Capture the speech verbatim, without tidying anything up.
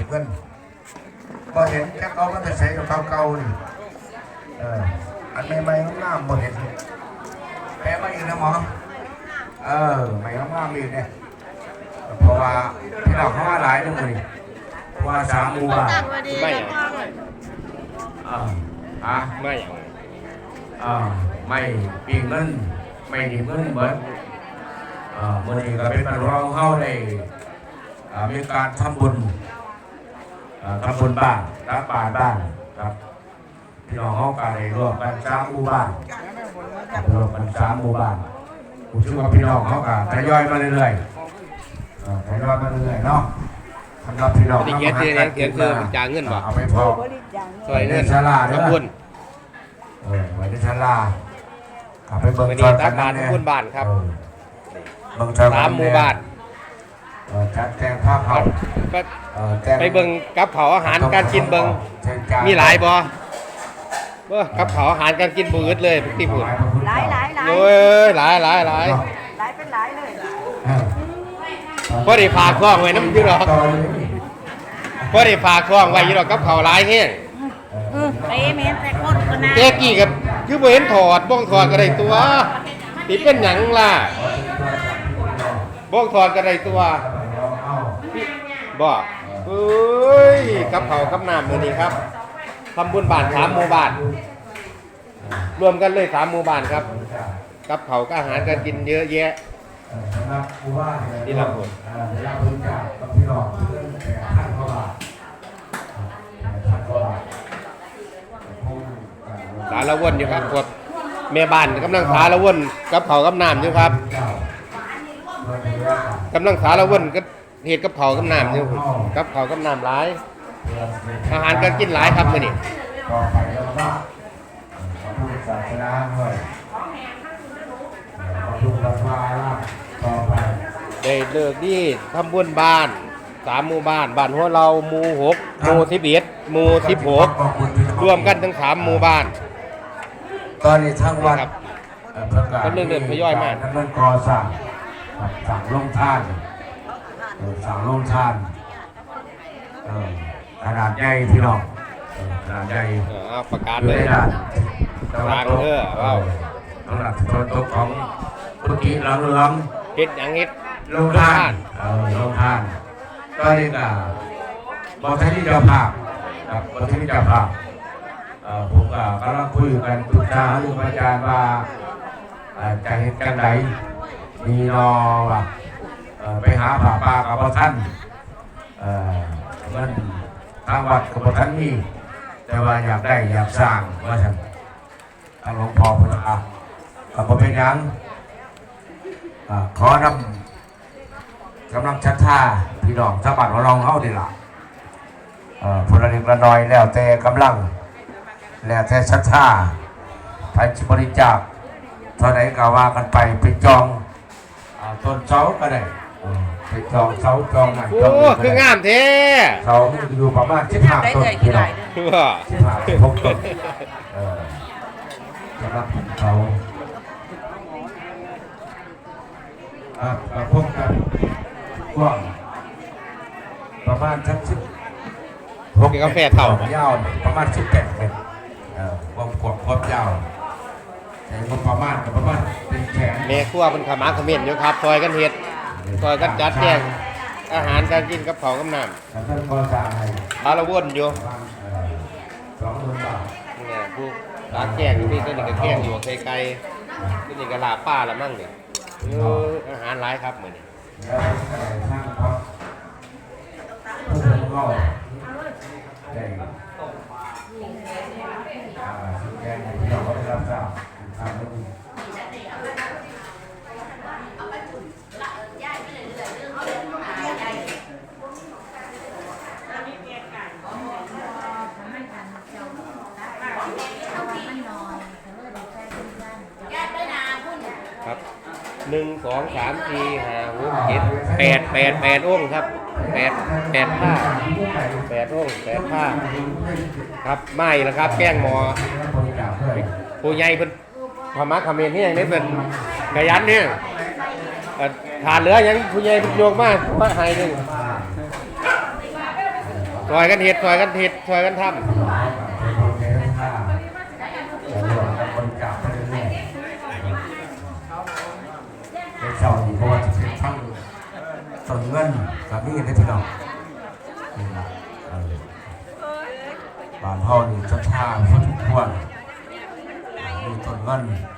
เงินก็เห็นแค่เขามันจะใช้กับเก่าๆนี่เอออันใหม่ๆงามๆบ่เห็นแพ้มาอีกนะหมอเออใหม่งามๆอีกเนี่ยเพราะว่าที่เราเข้ามาหลายนึงเลยว่าสามหมู่บ้านไม่อ่าอ่ะไม่อ่าไม่ปีเงินไม่ดีเงินเหมือนอ่าเมื่อนี้ก็เป็นการร้องเข้าในมีการทำบุญทำบุญบ้านรับบาตรบ้านครับพี่น้องเขาการในรวมกันสามหมู่บ้านรวมกันสามหมู่บ้านผมเชื่อว่าพี่น้องเขาการทยอยมาเรื่อยๆทยอยมาเรื่อยๆเนาะสำหรับพี่น้องเขาเขียนคือเขียนคือจ่ายเงินบ่เอาไปพอซอยเงินชาลาทำบุญเออไว้ในชาลาขับไปเบิ่งซอยกันบ้านทำบุญบ้านครับสามหมู่บ้านจัดแจงภาพเขาไปเบิ่งกับเผาอาหารการกินเบิ่งมีหลายบ่เบ้อกับเผาอาหารการกินบืดเลยพี่พูดหลายหลายหลายโอ้ยหลายหลายหลายหลายเป็นหลายเลยพอได้ฝากคล้องไว้น้ำอยู่หรอกพอได้ฝากคล้องไว้อยู่หรอกกับเผาหลายแห้งเป๊ะเมนแต่คนคนนั้นเจ๊กี้กับคือบ่เห็นถอดบ้องถอดก็ได้ตัวติเป็นหยังล่ะบ้องถอดก็ได้ตัวบ่เอ้ยกับเผากับน้ำมื้อนี้ครับทำบุญบ้านสามหมู่บ้านรวมกันเลยสามหมู่บ้านครับกับเผากับอาหารการกินเยอะแยะนี่ละคนสารวนอยู่ครับกดแม่บ้านกำลังสารวนกับเผากับน้ำอยู่ครับกำลังสารวนก็เหตุกับเผากับน้ำอยู่กับเผากับน้ำหลายอาหารการกินหลายครับมื้อนี้ต่อไปแล้วว่าพระพุทธศาสนาด้วยพระพุทธศาสนาต่อไปได้เลิกนี่ทำบุญบ้านสามหมู่บ้านบ้านหัวเราหมู่หกหมู่สิบเอ็ดหมู่สิบหกรวมกันทั้งสามหมู่บ้านตอนนี้ทั้งวันก็เรื่อยๆทยอยมาทั้งเรื่องก่อสร้างสั่งลงท่านสั่งลงท่านขนาดใหญ่พี่น้องขนาดใหญ่ประกาศเลยทางเออว้าวสำหรับตัวตกของพุทธิหลังเหลืองเฮ็ดอย่างเฮ็ดลงท่านลงท่านก็นี่ก็บอกท่านที่เจ้าภาพครับบอกท่านที่เจ้าภาพผมก็กำลังคุยกันปรึกษาเรื่องอาจารย์ว่าจะเห็นกันไหนมีนอว่าไปหาผ่าปลากับท่านมันทางวัดกับท่านนี่แต่ว่าอยากได้อยากสร้างว่าท่านทางหลวงพ่อพุทธะกับพระเป็นยังขอนำกำลังชัดท่าพี่น้องสะบัดของเราเข้าดีละพลเรือนละน้อยแล้วแต่กำลังแล้วแต่ชัดท่าไปบริจาคเท่าไหร่ก็ว่ากันไปไปจองต้นเสาก็ได้ไปจองเสาจองนั่นจองนี่คืองามแท้เสาอยู่ประมาณสิบห้าต้นพี่น้องสิบห้าสิบหกต้นสำหรับเขาอ่าพบกันกว้างประมาณสักสิบหกกาแฟเท่ายาวประมาณสิบแปดเมตรความกว้างความยาวแต่ประมาณประมาณเป็นแขนแม่ครัวเป็นขมาขมิ้นอยู่ครับซอยกันเห็ดซอยกันจัดแจงอาหารการกินกับเผากับน้ำบาละวนอยู่สองหมื่นบาทเนี่ยผู้ร้านแกงอยู่นี่ก็นี่ก็แกงอยู่ไกลไกลก็นี่ก็ลาป้าละมั่งเนี่ยอาหารร้ายครับเหมือนนี่ครับหนึ่งสองสามสี่ห้าหกเจ็ดแปดแปดแปดองค์ครับแปดแปดผ้าแปดองค์แปดผ้าครับไม่ละครับแกงหมอผู้ใหญ่เป็นพม่าเขมรนี่ยังไม่เป็นกระยันเนี่ยถาดเหลือยังผู้ใหญ่เป็นโยกมากว่าหายหนึ่งซอยกันเห็ดซอยกันเห็ดซอยกันทำเป็นโปรเจกต์ห้าแต่รวมกันบริจาคไปเรื่อยๆในเช้านี้เพราะว่าจะเป็นทั้งส่วนเงินกับนี่ได้พี่น้องนี่นะเออบ้านพ่อนี่จะท่าพอสมควรมีต้นเงิน